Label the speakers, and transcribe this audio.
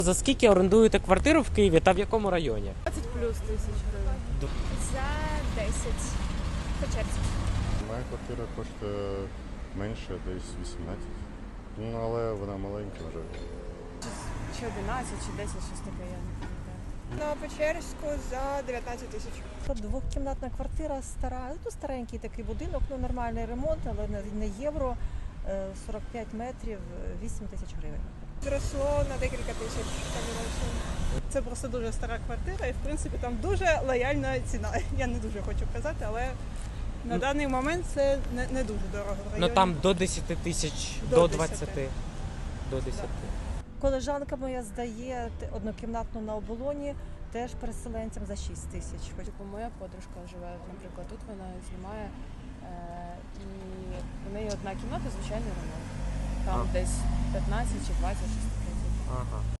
Speaker 1: За скільки орендуєте квартиру в Києві та в якому районі?
Speaker 2: 20 плюс тисяч гривень.
Speaker 3: За 10 по черзі.
Speaker 4: Моя квартира коштує менше, десь 18. Ну, але вона маленька вже.
Speaker 2: Чи 11, чи 10, щось таке, я не пам'ятаю.
Speaker 5: На Печерську за 19 тисяч.
Speaker 6: Двохкімнатна квартира стара, ну старенький такий будинок, ну нормальний ремонт, але не євро, 45 метрів, 8 тисяч гривень.
Speaker 5: Зросло на декілька тисяч.
Speaker 7: Це просто дуже стара квартира і, в принципі, там дуже лояльна ціна. Я не дуже хочу казати, але на даний момент це не дуже дорого. В
Speaker 1: Ну
Speaker 7: районі.
Speaker 1: там до 10 тисяч, до 20. До 10.
Speaker 6: Колежанка моя здає однокімнатну на оболоні, теж переселенцям за 6 тисяч.
Speaker 2: Типу, моя подружка живе, наприклад, тут вона знімає, і в неї одна кімната, звичайний ремонт. Там десь 15 чи 20, щось таке.
Speaker 1: Ага.